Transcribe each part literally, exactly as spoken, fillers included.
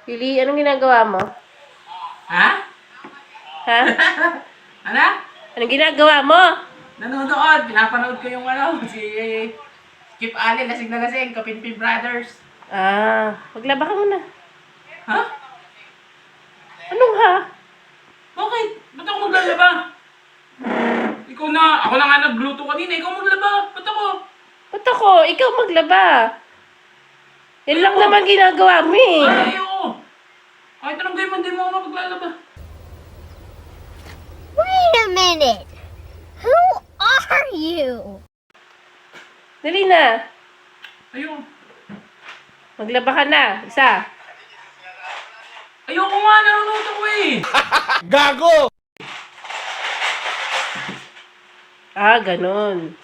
Yuli, anong ginagawa mo? Ha? Ha? Ano? Anong ginagawa mo? Nanonood. Pinapanood ko yung ano, si Skip Allen, lasing na lasing, Kapinpin Brothers. Ah, maglaba ka muna. Ha? Anong ha? Bakit? Ba't ako maglalaba? Ikaw na, ako na nga nagluto kanina, ikaw maglaba. Ba't ako? Ba't ako? Ikaw maglaba. Yan lang Ayoko. naman ginagawa mo eh. Ay, ayoko. Kahit anong game, hindi mo ako mapaglalaba. Wait a minute. Who are you? Dali na. Ayoko. Maglaba ka na. Isa. Ayoko nga, nanonood ako eh. Gago! Ah, ganun.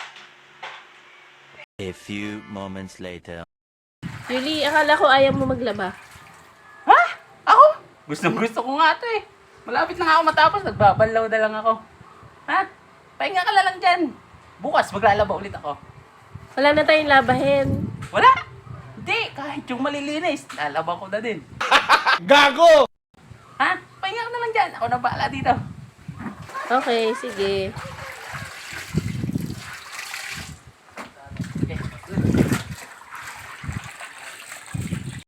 A few moments later. Yuli, akala ko ayaw mo maglaba. Ha? Ako? Gustong gusto ko nga ito eh. Malapit na nga ako matapos, nagbabalaw na lang ako. Ha? Pahinga ka na lang dyan. Bukas maglalaba ulit ako. Wala na tayong labahin. Wala? Hindi, kahit yung malilinis, lalaba ko na din. Gago! Ha? Pahinga ka na lang dyan, ako na bahala dito. Okay, sige.